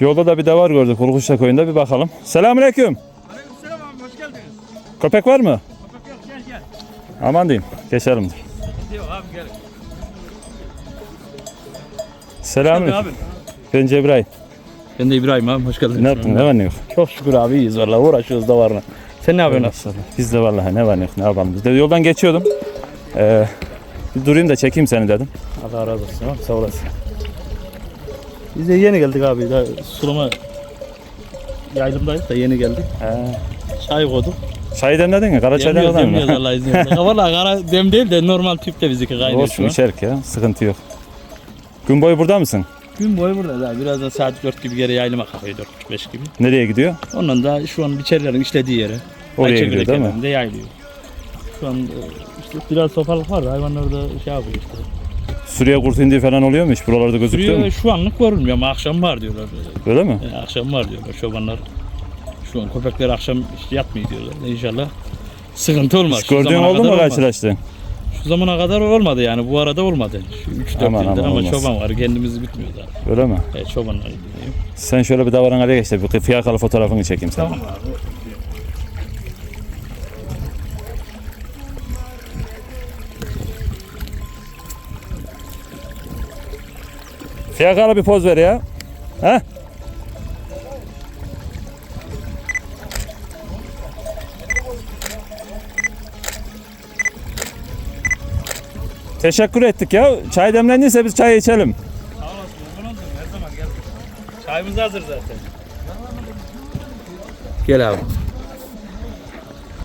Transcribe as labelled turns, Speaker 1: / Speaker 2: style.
Speaker 1: Yolda da bir davar gördük Kurkuşla köyünde, bir bakalım. Selamünaleyküm.
Speaker 2: Aleykümselam abi, hoş geldiniz.
Speaker 1: Köpek var mı?
Speaker 2: Köpek yok, gel.
Speaker 1: Aman diyeyim. Geçelim.
Speaker 2: Yok abi, gel.
Speaker 1: Selamünaleyküm.
Speaker 2: Abi.
Speaker 1: Ben Cebrail.
Speaker 2: Ben de İbrahim abi, hoş geldiniz.
Speaker 1: Ne yaptın? Ne var ne yok?
Speaker 2: Çok şükür abi, iyiyiz vallahi, uğraşıyoruz da varına. Sen ne yapıyorsun?
Speaker 1: Biz de vallahi ne var ne yok, ne yapalım. Biz de yoldan geçiyordum. Bir durayım da çekeyim seni dedim.
Speaker 2: Allah razı olsun abi, sağ olasın. Biz de yeni geldik abi, daha sulama yaylımdayız da yeni geldik. Çay koyduk.
Speaker 1: Çay demledin mi? Kara çay demledin mi?
Speaker 2: Demliyoruz Allah izniyle. Valla kara dem değil de normal tüpte bizimki kaynıyor şu
Speaker 1: Olsun,
Speaker 2: an.
Speaker 1: içerik ya. Sıkıntı yok. Gün boyu burada mısın?
Speaker 2: Gün boyu burada da birazdan saat 4 gibi geri yaylıma kalkıyor, 4-5 gibi.
Speaker 1: Nereye gidiyor?
Speaker 2: Ondan da şu an biçerilerin işlediği yere.
Speaker 1: Oraya
Speaker 2: Ayçiçek
Speaker 1: gidiyor değil mi?
Speaker 2: kenarında yaylıyor. Şu an işte biraz sopalık var da hayvanlar da şey yapıyor işte.
Speaker 1: Suriye kurtu indiği falan oluyor mu hiç? Buralarda gözüküyor mu?
Speaker 2: Suriye şu anlık görülmüyor ama akşam var diyorlar.
Speaker 1: Öyle mi?
Speaker 2: Akşam var diyorlar çobanlar. Şu an köpekler akşam işte yatmıyor diyorlar. İnşallah sıkıntı olmaz.
Speaker 1: Hiç gördüğün oldu mu karşılaştığın?
Speaker 2: Şu zamana kadar olmadı yani, bu arada olmadı. Şu 3-4
Speaker 1: Aman,
Speaker 2: yıldır
Speaker 1: aman,
Speaker 2: ama
Speaker 1: olmaz.
Speaker 2: çoban var, kendimiz bitmiyor da.
Speaker 1: Öyle mi?
Speaker 2: Evet, çobanlar gidiyor.
Speaker 1: Sen şöyle bir davran araya geç de bir fiyakalı fotoğrafını çekeyim sana.
Speaker 2: Tamam abi.
Speaker 1: Fiyakalı bir poz ver ya. He? Teşekkür ettik ya. Çay demlendiyse biz çay içelim.
Speaker 2: Sağ olasın. Uygun oldun. Her zaman gel. Çayımız hazır zaten. Gel abi.